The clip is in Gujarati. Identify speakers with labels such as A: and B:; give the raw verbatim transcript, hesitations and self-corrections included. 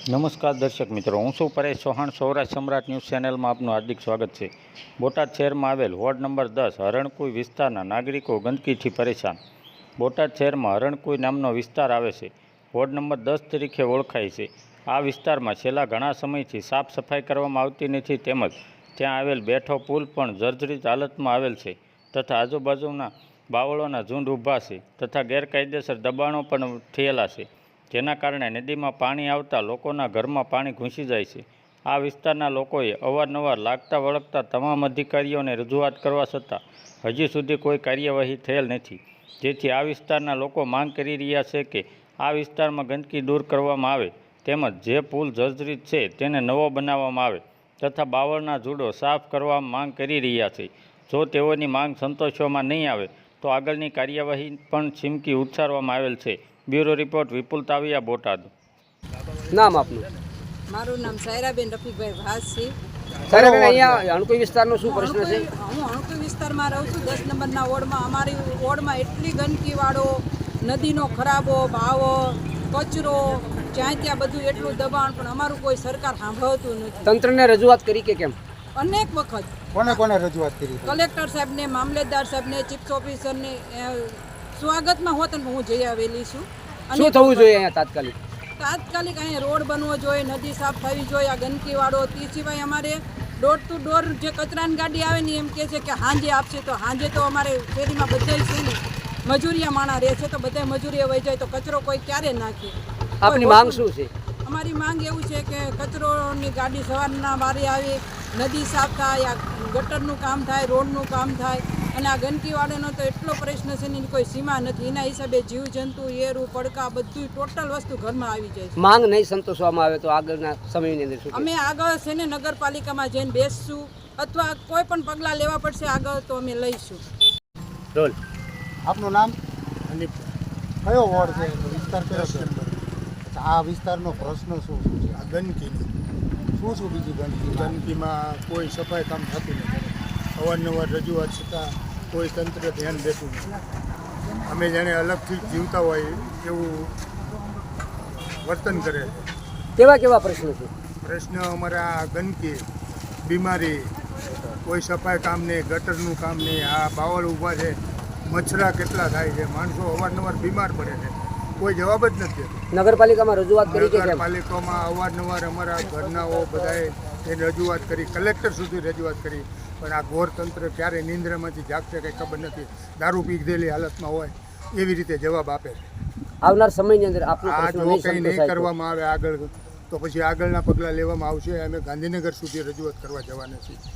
A: નમસ્કાર દર્શક મિત્રો, હું છું પરેશ ચૌહાણ. સૌરાષ્ટ્ર સમ્રાટ ન્યૂઝ ચેનલમાં આપનું હાર્દિક સ્વાગત છે. બોટાદ શહેરમાં આવેલ વોર્ડ નંબર દસ હરણકુઈ વિસ્તારના નાગરિકો ગંદકીથી પરેશાન. બોટાદ શહેરમાં હરણકુઈ નામનો વિસ્તાર આવે છે. વોર્ડ નંબર દસ તરીકે ઓળખાય છે. આ વિસ્તારમાં છેલ્લા ઘણા સમયથી સાફ સફાઈ કરવામાં આવતી નથી, તેમજ ત્યાં આવેલ બેઠો પુલ પણ જર્જરિત હાલતમાં આવેલ છે તથા આજુબાજુના બાવળોના ઝુંડ ઊભા છે તથા ગેરકાયદેસર દબાણો પણ થયેલા છે, જેના કારણે નદીમાં પાણી આવતા લોકોના ઘરમાં પાણી ઘૂસી જાય છે. આ વિસ્તારના લોકોએ અવારનવાર લાગતા વળગતા તમામ અધિકારીઓને રજૂઆત કરવા છતાં હજી સુધી કોઈ કાર્યવાહી થયેલ નથી, જેથી આ વિસ્તારના લોકો માંગ કરી રહ્યા છે કે આ વિસ્તારમાં ગંદકી દૂર કરવામાં આવે, તેમજ જે પુલ જર્જરિત છે તેને નવો બનાવવામાં આવે તથા બાવળના ઝૂંડો સાફ કરવા માંગ કરી રહ્યા છે. જો તેઓની માંગ સંતોષવામાં નહીં આવે તો આગળની કાર્યવાહી પણ ચીમકી ઉચ્ચારવામાં આવેલ છે. Bureau report Vipul Taviya, Botad.
B: નામ આપનું?
C: મારું નામ સાયરાબેન રફીકભાઈ ભાસ છે.
B: સાયરાબેન, અહીંયા અણકોઈ વિસ્તારનો શું પ્રશ્ન છે?
C: હું અણકોઈ વિસ્તારમાં રહું છું, દસ નંબરના વોર્ડમાં. અમારી વોર્ડમાં એટલી ગંદકીવાળો, નદીનો ખરાબો ભાવો, કચરો, જ્યાં ત્યાં બધું એટલું દબાણ, પણ અમારું કોઈ સરકાર સાંભળતું નથી.
B: તંત્રને રજૂઆત કરી કે કેમ?
C: અનેક વખત.
D: કોને કોને રજૂઆત કરી?
C: કલેક્ટર સાહેબને, મામલેદાર સાહેબને, ચીફ ઓફિસરને. સ્વાગતમાં હોત ને હું જઈ આવેલી છું.
B: શું થવું જોઈએ અહીંયા તાત્કાલિક?
C: તાત્કાલિક અહીંયા રોડ બનવો જોઈએ, નદી સાફ થવી જોઈએ, આ ગંદકીવાળો. તે સિવાય અમારે ડોર ટુ ડોર જે કચરાની ગાડી આવે ને એમ કહે છે કે હાંજે આપશે, તો હાંજે તો અમારે શેરીમાં બધા છે ને મજૂરિયા માણા રહે છે, તો બધા મજૂરીએ વહી જાય તો કચરો કોઈ ક્યારે નાખે?
B: આપની માંગ શું છે?
C: અમારી માંગ એવું છે કે કચરોની ગાડી સવારના વારે આવે, નદી સાફ થાય, આ ગટરનું કામ થાય, રોડનું કામ થાય. અને આ ગંદકીવાળાનો તો એટલો પ્રશ્ન છે ને કોઈ સીમા નથી. એના હિસાબે જીવજંતુ, એરું, પડકા બધું ટોટલ વસ્તુ ઘરમાં આવી જાય છે.
B: માંગ નહીં સંતોષવામાં આવે તો આગળના સમયની અંદર શું?
C: અમે આગળ છે ને નગરપાલિકામાં જઈને બેસશું અથવા કોઈ પણ પગલાં લેવા પડશે આગળ તો અમે લઈશું.
B: રોલ.
D: આપનું નામ? કયો વોર્ડ છે? વિસ્તાર કયો છે? આ વિસ્તારનો પ્રશ્ન શું શું છે?
E: આ ગંદકીની
D: શું શું બીજી ગંદકી?
E: ગંદકીમાં કોઈ સફાઈ કામ થતું નથી. અવારનવાર રજૂઆત છતાં કોઈ તંત્ર ધ્યાન દેતું નથી. અમે જાણે અલગથી જીવતા હોય એવું વર્તન કરે છે.
B: કેવા કેવા પ્રશ્નો છે?
E: પ્રશ્ન અમારા ગંદકી, બીમારી, કોઈ સફાઈ કામ નહીં, ગટરનું કામ નહીં. આ બાવળ ઊભા છે, મચ્છરા કેટલા થાય છે, માણસો અવારનવાર બીમાર પડે છે, કોઈ જવાબ જ નથી.
B: નગરપાલિકામાં રજૂઆત કરી કે કેમ?
E: નગરપાલિકામાં અવારનવાર અમારા ઘરનાઓ બધાએ એને રજૂઆત કરી, કલેક્ટર સુધી રજૂઆત કરી, પણ આ ઘોર તંત્ર ક્યારે નિંદ્રામાંથી જાગશે કંઈ ખબર નથી. દારૂ પીધેલી હાલતમાં હોય એવી રીતે જવાબ આપે છે.
B: આવનાર સમયની અંદર આપણો
E: આ
B: પ્રશ્ન
E: જો
B: નહીં
E: કંઈ નહીં
B: સંતોષાય તો?
E: કરવામાં આવે આગળ તો પછી આગળના પગલાં લેવામાં આવશે. અમે ગાંધીનગર સુધી રજૂઆત કરવા જવાના છીએ.